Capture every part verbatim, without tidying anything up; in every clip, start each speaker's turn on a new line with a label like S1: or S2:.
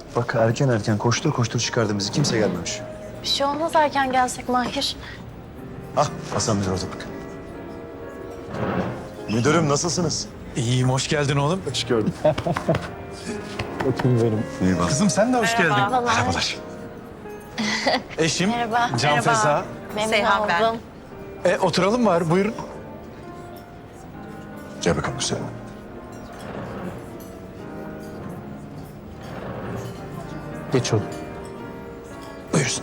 S1: Bak erken erken koştur koştur çıkardı bizi. Kimse gelmemiş.
S2: Bir şey olmaz erken gelsek Mahir.
S1: Ah Hasan Müdür orada bak. Müdürüm nasılsınız?
S3: İyiyim, hoş geldin oğlum.
S1: Hoş gördüm.
S3: Bakayım benim.
S1: Eyvallah.
S3: Kızım sen de hoş geldin.
S2: Merhabalar.
S3: Merhabalar. Eşim
S2: Merhaba.
S3: Can
S2: Merhaba.
S3: Feza.
S2: Memnun
S4: Seyhan ben.
S2: oldum.
S3: E, oturalım var, buyurun.
S1: Gel bakalım güzelim.
S3: Geç oğlum.
S1: Buyursun.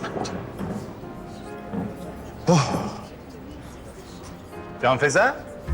S5: Can Feza?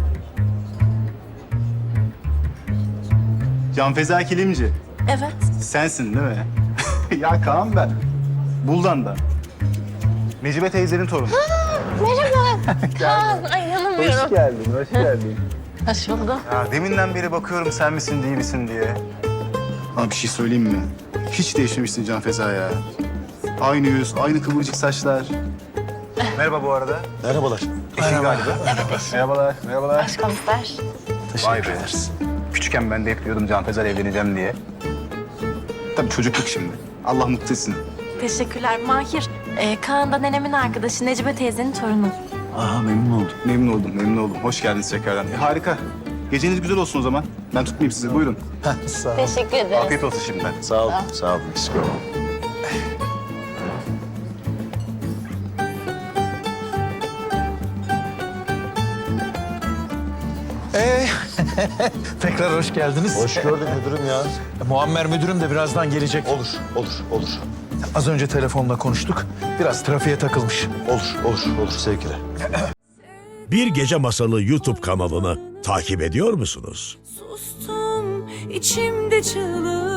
S5: Can Feza Kilimci.
S2: Evet.
S5: Sensin değil mi? Ya Kaan ben. Buldan'da. Necibe teyzenin torunu.
S2: Merhaba. Kaan, ay inanamıyorum.
S5: geldin, hoş geldin.
S2: Hoş buldum.
S5: Ya deminden beri bakıyorum sen misin değil misin diye. Abi bir şey söyleyeyim mi? Hiç değişmemişsin Can Feza ya. Aynı yüz, aynı kıvırcık saçlar. Merhaba bu arada.
S1: Merhabalar.
S5: Eşin galiba. Merhabalar, merhabalar.
S2: Başkomiser.
S5: Vay be. Küçükken ben de hep diyordum Can Feza'yla evleneceğim diye. Tabii çocukluk şimdi. Allah mutlu etsin.
S2: Teşekkürler Mahir. Ee, Kaan da nenemin arkadaşı Necibe teyzenin torunu.
S1: Aha memnun oldum.
S5: Memnun oldum, memnun oldum. Hoş geldiniz tekrardan. E, harika. Geceniz güzel olsun o zaman. Ben tutmayayım sizi. Buyurun.
S1: Sağ ol.
S2: Teşekkür ederiz.
S5: Afiyet olsun şimdiden.
S1: Sağ ol. Sağ ol. Eksik olma.
S3: Ee, tekrar hoş geldiniz.
S1: Hoş gördük müdürüm ya.
S3: E, Muammer müdürüm de birazdan gelecek.
S1: Olur, olur, olur.
S3: Az önce telefonla konuştuk. Biraz trafiğe takılmış.
S1: Olur, olur, olur sevgiler.
S6: Bir Gece Masalı YouTube kanalını takip ediyor musunuz?
S7: Sustum içimde çığlık.